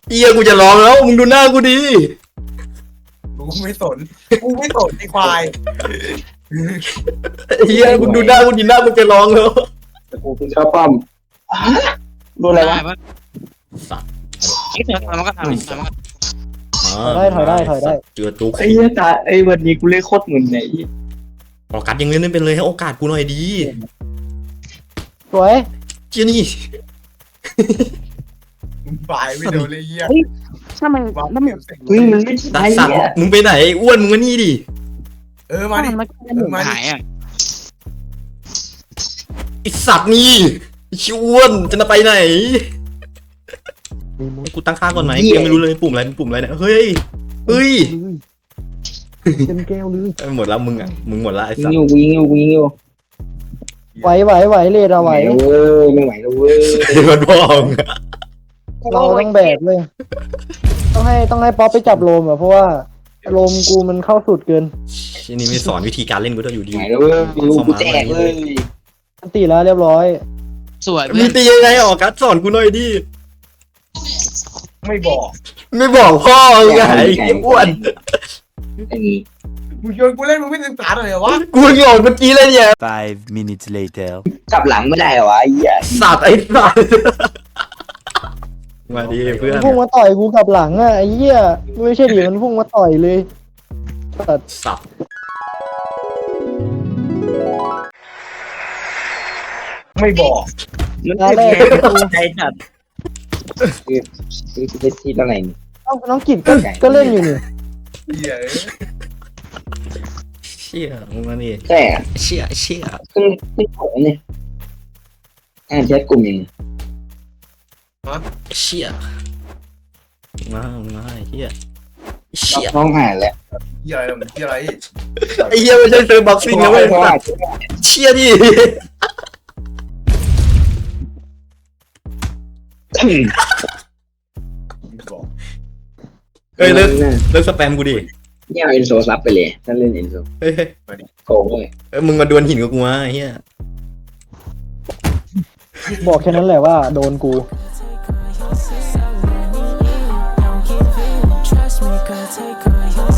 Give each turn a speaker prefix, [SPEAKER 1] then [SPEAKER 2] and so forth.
[SPEAKER 1] เฮียกูจะร้องแล้วมึงดูหน้ากูดิ
[SPEAKER 2] กูไม่สนไอ้ควาย
[SPEAKER 1] เฮียมึงดูหน้ากูดิหน้ามึงจะร้องแล้ว
[SPEAKER 3] กูคือข้าวปั้มดูอะไรวะ
[SPEAKER 1] สัตว์
[SPEAKER 4] ไอ้เสือมันก็ทำมันก็
[SPEAKER 5] ถอยได้
[SPEAKER 1] เจอตัว
[SPEAKER 3] ไอ้เหี้ยตาไอ้วันนี้กูเล่นโคตรเหมือนไหน
[SPEAKER 1] โอกาสยังเล่นไม่เป็นเลยให้โอกาสกูหน่อยดี
[SPEAKER 5] สวย
[SPEAKER 1] เจียนี่
[SPEAKER 2] มึงฝ่ายไม่โดนเลยเหี้ย
[SPEAKER 4] ถ้ามัน
[SPEAKER 2] วาง
[SPEAKER 4] ถ้ามัน
[SPEAKER 3] เฮ้ยมันเล่น
[SPEAKER 1] ดั
[SPEAKER 3] ไอ้
[SPEAKER 1] กสัตว์
[SPEAKER 3] เนี่ย
[SPEAKER 1] มึงไปไหนอ้วนมึงมานี่ดิ
[SPEAKER 2] มาดิ
[SPEAKER 4] มันหมูหายอ่ะ
[SPEAKER 1] ไอสัตว์นี่ไอ้ชิอ้วนจะไปไหนให้กูตั้งค่าก่อนไหมกูยังไม่รู้เลยปุ่มอะไรเนี่ยเฮ้ย
[SPEAKER 5] เต็มแก้วเลย
[SPEAKER 1] หมดแล้วมึงอ่ะมึงหมดแล้วไอ
[SPEAKER 3] ยิ
[SPEAKER 1] สั
[SPEAKER 3] ง
[SPEAKER 1] ต
[SPEAKER 3] อ
[SPEAKER 1] ว์
[SPEAKER 3] ยู่กูยิงอยู่
[SPEAKER 5] ไหวเลดอะไหว
[SPEAKER 3] เว้ยไม่ไหวแล้วเว้ย
[SPEAKER 1] มันบอก
[SPEAKER 5] เราต้องแบกเลยต้องให้ป๊อปไปจับโลมอ่ะเพราะว่าโลมกูมันเข้าสุดเกิน
[SPEAKER 1] ที่นี่ไม่สอนวิธีการเล่นกูต้องอยู่ดี
[SPEAKER 3] ไหวแล้วเว้ยกูแจกเลย
[SPEAKER 5] อันตีแล้วเรียบร้อย
[SPEAKER 4] สวย
[SPEAKER 1] มีตียังไงออกการสอนกูหน่อยดิ
[SPEAKER 2] ไม่บอก
[SPEAKER 1] ไม่บอกพ่อมึงไงไอ้อ้วน
[SPEAKER 3] ไอ้นี่
[SPEAKER 2] มึงโยนกูเล่นมึงไม่ศึกษาหน่อยเหรอวะ
[SPEAKER 1] กูหลอนเมื่อกี้เลยเนี่ย
[SPEAKER 6] 5 minutes later.
[SPEAKER 3] กลับหลังไม่ได้เหรอวะไอ้เหี้ย
[SPEAKER 1] สัตว์ไอ้สัตว์มาดีเพื่อน
[SPEAKER 5] พุ่งมาต่อยกูกลับหลังอ่ะไอ้เหี้ยไม่ใช่ดิมันพุ่งมาต่อยเลยแต่
[SPEAKER 1] สัตว์
[SPEAKER 2] ไม่บอก
[SPEAKER 3] มัน
[SPEAKER 5] ตาแรกกู
[SPEAKER 3] ใจจัดคือจะทีตอนไหนนี่
[SPEAKER 5] น้องกิจก็เล่นอยู่นี่
[SPEAKER 2] เหี้ย
[SPEAKER 1] เชี่ยมึงมาดิ
[SPEAKER 3] ใช่อะ
[SPEAKER 1] เชี่ย
[SPEAKER 3] ขึ้นของเนี่ยแชทกลุ่มยัง
[SPEAKER 1] เชี่ยมาเชี่ยเชี่ย
[SPEAKER 3] น้องหายแล้ว
[SPEAKER 2] เหี้ยอะไรมึงเหี้ยอะไร
[SPEAKER 1] ไอ้เหี้ยไม่ใช่เซิร์ฟบ็อกซิ่งนะเว้ยสัตว์เชี่ยดิ
[SPEAKER 2] ไม่บอก
[SPEAKER 1] เฮ้ยเลิกสแปมกูดิ
[SPEAKER 3] เนี่ยเอาเอ็นโซซับไปเลยถ้าเล่นเอ็นโซ
[SPEAKER 1] เฮ้ย
[SPEAKER 3] โกงเลย
[SPEAKER 1] มึงมาดวลหินกับกูมาไอ้เหี้ย
[SPEAKER 5] บอกแค่นั้นแหละว่าโดนกู
[SPEAKER 7] Trust me, girl, take all your